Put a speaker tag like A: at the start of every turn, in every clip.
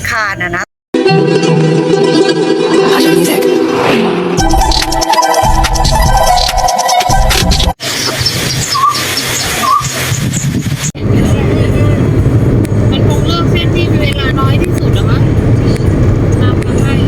A: คารนะ
B: มันคงเลือกเส้นที่มีเวลาน้อยที่สุดหรอมั้งตามมาให้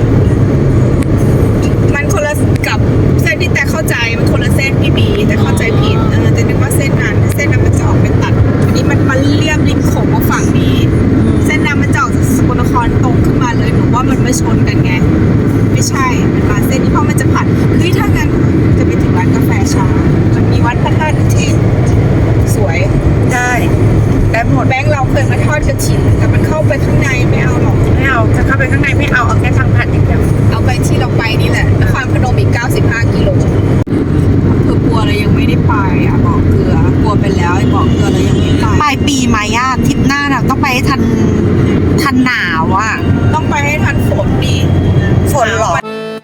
C: มันคนละกับเส้นที่แต่เข้าใจมันคนละเส้นพี่บีแต่เข้าใจผิดแต่นึกว่าเส้นนั้นมันจะออกเป็นตัดอันนี้มันเลี่ยมริมโขงมาฝั่งนี้เส้นนั้นมันจะออกจากสกลนครตรงขึ้นมาเลยหนูว่ามันไม่ชนกันไงไม่ใช่มันมาเส้นนี้เพราะมันจะผ่านถ้างั้นจะไปถึงร้านกาแฟช้ามันมีวัดพระธาตุเทพสวย
A: ได้แบบหมด
C: แบงค์เราเคยมาทอดกระถิ่นแต่มันเข้าไปข้างในไม่เอาหรอก
A: ไม่เอาจะเข้าไปข้างในไม่เอาแค่ทางผ่านอย่างเดียว
C: เอาไปที่เราไปนี่แหละนครพนมอีก95 กิโลคือปัวเรายังไม่ได้ไปอ่ะบอกเกลือปัวไปแล้วไอ้บอกเกลือเรายังไม่ไป
A: ปลายปีไหมอะทริปหน้าน่ะต้องไปให้ทันหนาวอะ
C: ต้องไปให้ทันฝนดิ
A: ฝนเหรอ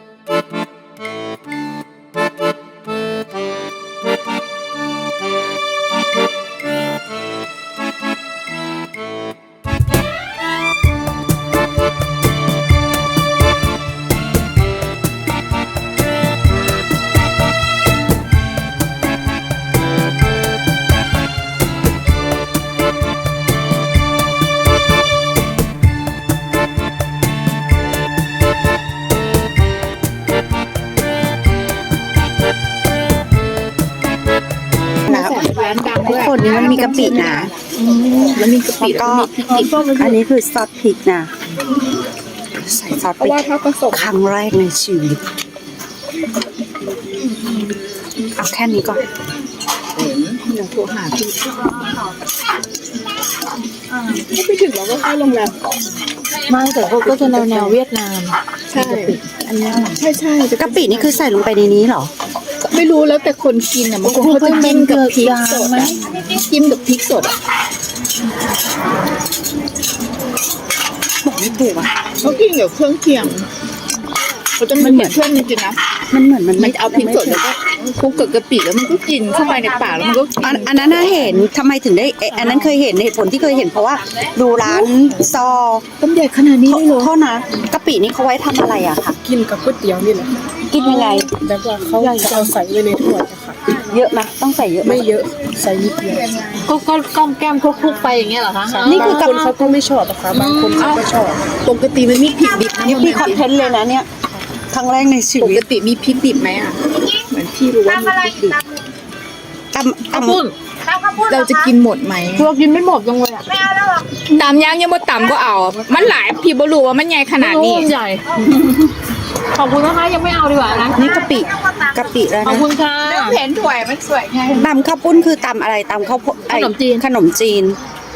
A: ทุกคนนี้มันมีกะปินะ
C: แล้วมีกะปิ
A: ก็อันนี้คือซอสพริกนะใส่ซอสพริกครั้งแรกในชีวิตเอาแค่นี้ก่อน
C: เดี๋ยวโทรหาพี่ถ้าไปถึงเราก็เข้าโรงแรมก่อน
B: ไม่แต่เขาก็จะแนวเวียดนาม
C: ใช่อันนี้ใช่
A: กะปินี่คือใส่ลงไปในนี้เหรอ
C: ไม่รู้แล้วแต่คนกินอ่ะบางคนเขาจะจิ้มกับพริกสดจิ้มกับพริกสดอ่ะ
A: บอกไม่ถูกอ่ะ
C: เขากินกับเครื่องเคียงเขาจะมันเหมือนเพื่อนจริงๆนะ
A: มันเหมือนมัน
C: มันเอาพริกสดแล้วก็คลุกกับกะปิแล้วมันก็กินเข้าไปในปากแล้วมันก็กิน
A: อันนั้นน่าเห็นทำไมถึงได้อันนั้นเคยเห็นเหตุผลที่เคยเห็นเพราะว่าดูร้านซอ
C: ต้มใหญ่ขนาดนี้เลยเหรอ
A: โทษนะกะปินี่เขาไว้ทำอะไรอะคะ
D: กินกับก๋วยเตี๋ยวนี่แหละ
A: กินยังไง
D: แบบว่าเขาจะเอาใส่ไว้ในถ้วยอะค่ะ
A: เยอะไหมต้องใส่เยอะไหม
D: ไม่เยอะใส่นิดเดียว
B: ก็ก้มแก้มคลุกๆไปอย่างเงี้ยเหรอคะ
A: นี่คือบ
D: างคนเขาก็ไม่ชอบนะคะบางคนเขาก็ชอบ
C: ปกติมันมีพริกดิบนะ
A: นี่พี่คอนเทนต์เลยนะเนี่ยครั้งแรกในชี
C: ป
A: วิ
C: ก
A: ต
C: ติมีพริกดิบไหมอ่ะเหมือนพี่รู้ว่ามีพริกดิบ
A: ตำ
B: ปุ้น
C: เราจะกินหมดไหม
B: เรากินไม่หมดยังเลยอ่ะ
C: ตำย่างยังบ่ตำก็เอา มันหลายพี่บ่รู้ว่ามันใหญ่ขนาดนี้
B: ใหญ่ ขอบคุณนะคะยังไม่เอาดีกว่านะ
A: นี่กะปิแล้ว
B: ขอบ
A: นะ
B: คุณค่ะ
C: เห็นถ้วยมันสวยไง
A: ตำข้าวปุ้นคือตำอะไรตำข้าวโพดไอ้
B: ขนมจีน
A: ขนมจีน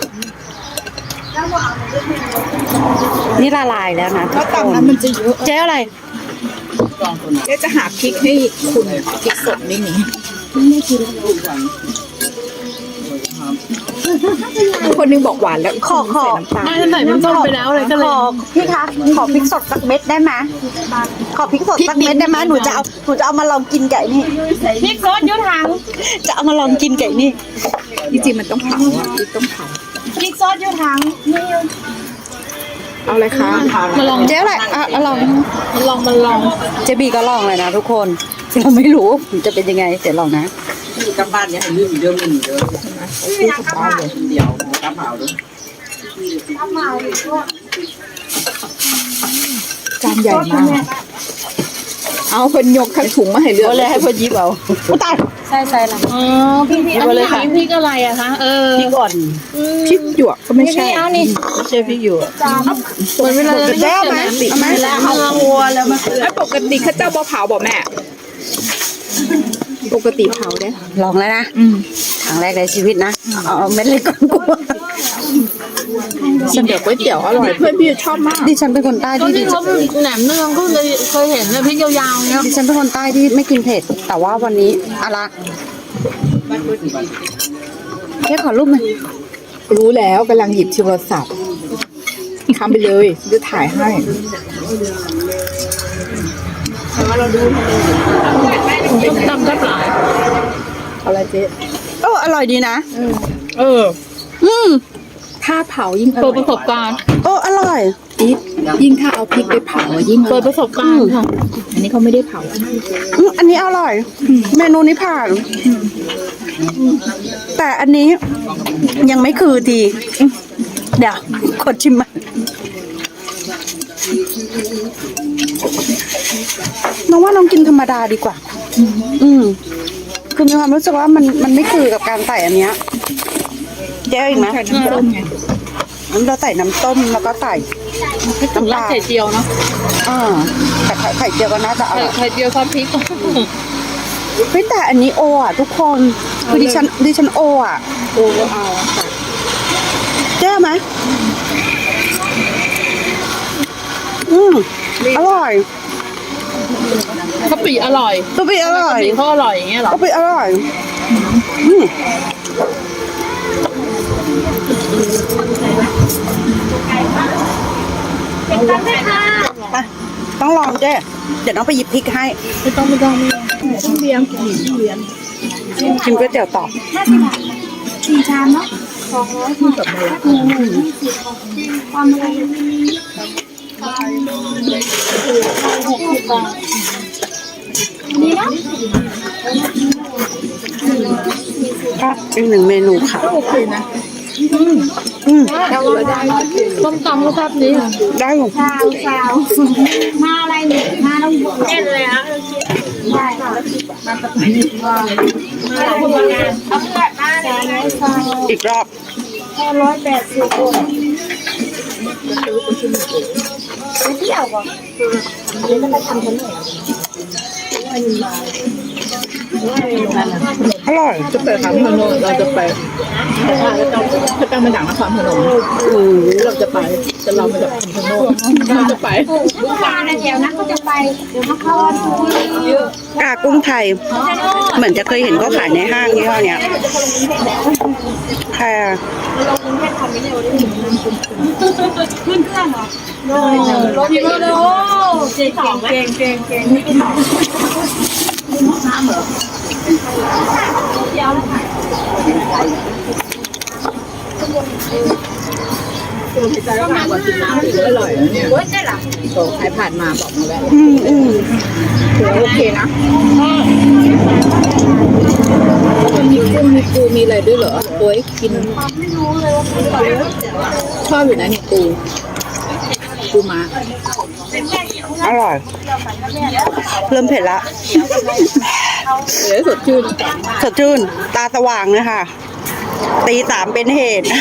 A: นี่ละลายแล้วนะทุ
C: แล้ว
A: กคน
C: ตำนั้นมันจะเยอะ
A: เจ๊อะไร
C: เดี๋ยวจะหาพริกให้คุณพริกสดไม่มีคนนึงบอกหวานแล้ว
A: ขอ
C: ใส่น้ำตาล
B: ไม่ใส่น้ำส้มไปแล้วเลยก็เลย
A: พี่คะขอพริกสดสักเม็ดได้ไหมขอพริกสดสักเม็ดได้ไหมหนูจะเอามาลองกินไก่นี่
B: พริกซอสยุทธัง
A: จะเอามาลองกินไก่นี่
C: จริงๆมันต้องเผาอ่ะพริกต้องเผา
B: พริกซอสยุทธัง
C: เอาอะไรคะ
B: มาลอง
A: เจ๊อะไรลอง
B: มาลอง
A: เจบีก็ลองเลยนะทุกคนเราไม่รู้มันจะเป็นยังไงเดี๋ยวลองนะ
E: กลับบ้านเนี่ยให้ลืมเดิมลืมเดิมเดี๋ยวกลับเผาด้วย
C: จานใหญ่มาก เอาคนยกทั้งถุงมาให้เลือก
A: ก็เลยให้พอยิบเอาตายใช่ละ
B: อ๋อพริกอันนี้พริกอะไรอะคะ
A: พริกอ่อน
C: พริกหยวกก็ไม่ใช่
B: เอานี่
A: ไม่ใช่พริกอยู่
B: เหมือนเวลาเรา
A: แก้วไหมเอาไหมเอาครัวแล้วมา
C: แล้วปกติเขาเจ้าบ่เผาบอกแม่ ปกติเผาเด้
A: ลองแล้วนะครั้งแรกในชีวิตนะเอาเม็ดเล็กก่อนกลัว
C: เดี๋ยวก๋วยเตี๋ยวอร่อยเพื่อนพี่ชอบมาก
A: ดิฉันเป็นคนใต้
B: ก็
A: ที่
B: ที่เขาแหนมเนืองก็เลยเคยเห็นเลยพริกยาวๆเนี้ย
A: ดิฉันเป็นคนใต้ที่ไม่กินเผ็ดแต่ว่าวันนี้อะไรแค่ขอรูปหน่อย
C: รู้แล้วกำลังหยิบโทรศัพท์ทำไปเลยจะถ่ายให้
B: ต้มตำก็ปลาย
C: อะไรเจ๊
A: อร่อยดีนะ
C: ถ้าเผายิ่งอ
B: เปิ
C: ร่
B: ด
C: อย
B: ประสบการณ์
A: อร่อย
B: ยิ่งถ้าเอาพริกไปเผายิ่งเปิดประสบการณ์ค่ะ อันนี้เขาไม่ได้เผา
A: อันนี้อร่อย เมนูนี้ผ่าน แต่อันนี้ยังไม่คือดี เดี๋ยวกดชิมมาน้องว่าน้องกินธรรมดาดีกว่า คือมีความรู้สึกว่ามันไม่คือกับการใส่อันเนี้ยเจ๊อีกไหมน้ำเราใส่น้ำต้มแล้วก็ใส่น้ำปลา
B: ไข่เจียวเนาะ
A: แต่ไข่เจียวก็น่าจะอร่อย
B: ไข่เจียวซอสพริก
A: เฮ้ยแต่อันนี้โออ่ะทุกคนคือดิฉันโออ่ะ
B: โอ้เอา
A: เจ๊ไหมอร่อย
B: กะปิอร่อย
A: กะปิอร่อย
B: กะปิเขาอร่อยอย่างเงี้ยเหรอก
A: ะปิอร่อยต้องลองเจ๊เดี๋ยวน้องไปหยิบพริกให้
B: ไม่ต้องเบียม
A: ชิมก๋วยเตี๋ยวต่อ
F: 4 ชามเนาะความอะไรนี่เนาะ
A: อีกหนึ่งเมนูค่ะ
B: โอเคนะ ต้มตำก็แซ่บนี้
A: ได้อยู่
F: สาวมาอะไรเนี่ยมาต้องเล่นเลยนะได้ค่ะมาประมาณนี้ว่าเอาเพื่อนมาเลย
A: อีกรอบ
F: 180 คนไปเที่ยวก่อนเดี๋ยวจะไปทำกันหน่อย
A: อร่อย
B: จะไปทำพนมเราจะไปถ้าตั้งมาจากนครพนมเราจะไปแต่เราไม่ได้ทำพนมเราจะไป
F: ลูกค้าในแถวนั้นก็จะไปเดี๋ยวมาเข้าวันพุธ
A: กากุ้งไทย เหมือนจะเคยเห็นเขาขายในห้างยี่ห้อเนี้ยค่ะ
F: ขึ้นเครื่องเหรอรถพี่โรเก่ง
B: ใจก็มากกว่ากินน้ำอีกอร่อยเนี่ยโอ้ยใช่หรอโอ้ใครผ่านมาบอกมาแวะถือว่าโอเคนะมันมีกุ้งมีปูมีอะไรด้วยเหรอโอ้ยกินชอบอยู่นะนี่ปูม้า
A: อร่อย เริ่มเผ็ดละ
B: เดี๋ยวสดชื่น
A: สดชื่น ตาสว่างเลยค่ะ ตีสามเป็นเหตุ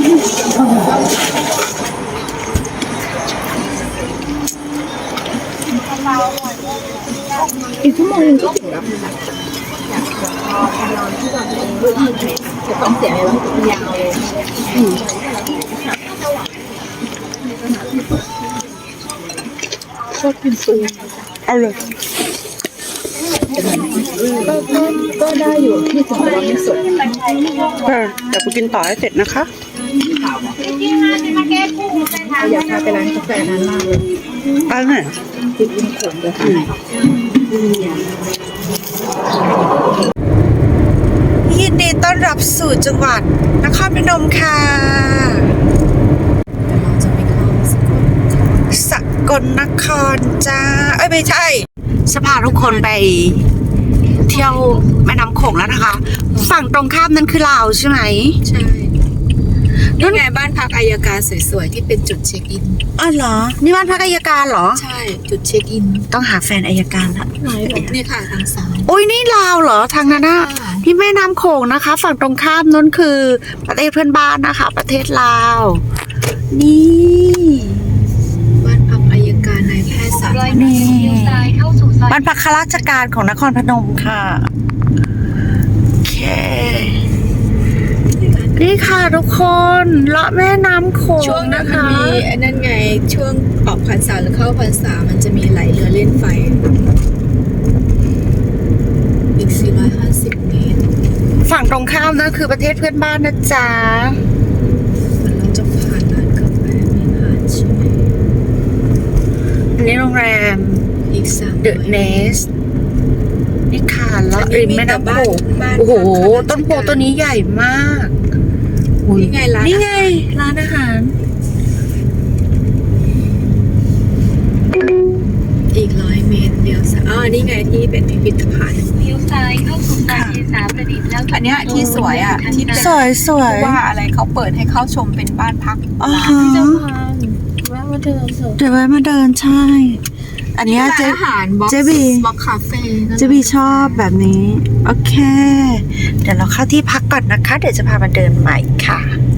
B: อีกชั่วโมงนึงก็ถึงแล้วจะต้องเสียอะไรบ้างยาวเลยชอบกินปู
A: เอาเลย
B: ก็ได้อยู่ที่ถึงว่าไม่สด
A: เดี๋ยวไปกินต่อให้เสร็จนะคะ
B: อยากพาไปร้านกาแฟนั้นมากเลย
A: ไปไหน
B: ติดริมโขงเลยค่ะ
A: ยินดีต้อนรับสู่จังหวัดนครพนมค่ะสกลนครจ้าไม่ใช่จะพาทุกคนไปเที่ยวแม่น้ำโขงแล้วนะคะ ฝั่งตรงข้ามนั้นคือลาวใช่ไหม
C: ใช่นี่ไงบ้านพักอัยการสวยๆที่เป็นจุดเช็คอิน
A: อ๋อเหรอ นี่บ้านพักอัยการเหรอ
C: ใช่ จุดเช็คอิน
A: ต้องหาแฟนอัยการละ
C: นี่ค่ะทางซ้าย
A: โอ้ยนี่ลาวเหรอทางนั้นนะที่แม่น้ำโขงนะคะ ฝั่งตรงข้ามนั้นคือประเทศเพื่อนบ้านนะคะ ประเทศลาว นี่
C: บ้านพักอัยการนายแพทย์สาธารณ
A: นี่บ้านพักข้าราชการของนครพนมค่ะโอเคนี่ค่ะทุกคนเลาะแม่น้ำโขง
C: ช่วงนั้น
A: นะ
C: มัน
A: คะ
C: มีไอ้นั่นไง ช่วงออกพรรษาหรือเข้าพรรษามันจะมีไหลเรือเล่นไฟ อีก 450 เมตร
A: ฝั่งตรงข้ามนั่นคือประเทศเพื่อนบ้านนะจ๊ะ
C: มันเราจะผ่านร้านกาแฟไม่ผ่านใช่ไหม
A: อันนี้โรงแรม
C: อีก3
A: The Nest นี่ค่ะเลาะริมแม่น้ำโขง
C: บ้าน
A: โอ้โห
C: พัก
A: ต้นโพต้นนี้ใหญ่มากอุ๊ย
C: นี่ไงร้าน
A: นี่ไง ร้านอาหาร
C: นี่ไงที่เป็นพิพิธภัณฑ์
F: เลี้ยวซ้ายเข้าสู่ซอยเทสาประดิษฐ์แล้ว
C: อันเนี้ยที่สวยอ่ะที่เป็น
A: สวยสวย
C: ว่าอะไรเขาเปิดให้เข้าชมเป็นบ้านพัก
A: อ๋อฮะ
D: แวะมาเดินเถอะ
A: เดี๋ยวไว้มาเดินใช่ อันเนี้ยเจ๊
C: อาหารบ็อก
A: เจ๊บี
C: บ็อกคาเฟ่
A: เจ๊บีชอบแบบนี้ โอเค เดี๋ยวเราเข้าที่พักก่อนนะคะ เดี๋ยวจะพามาเดินใหม่ค่ะ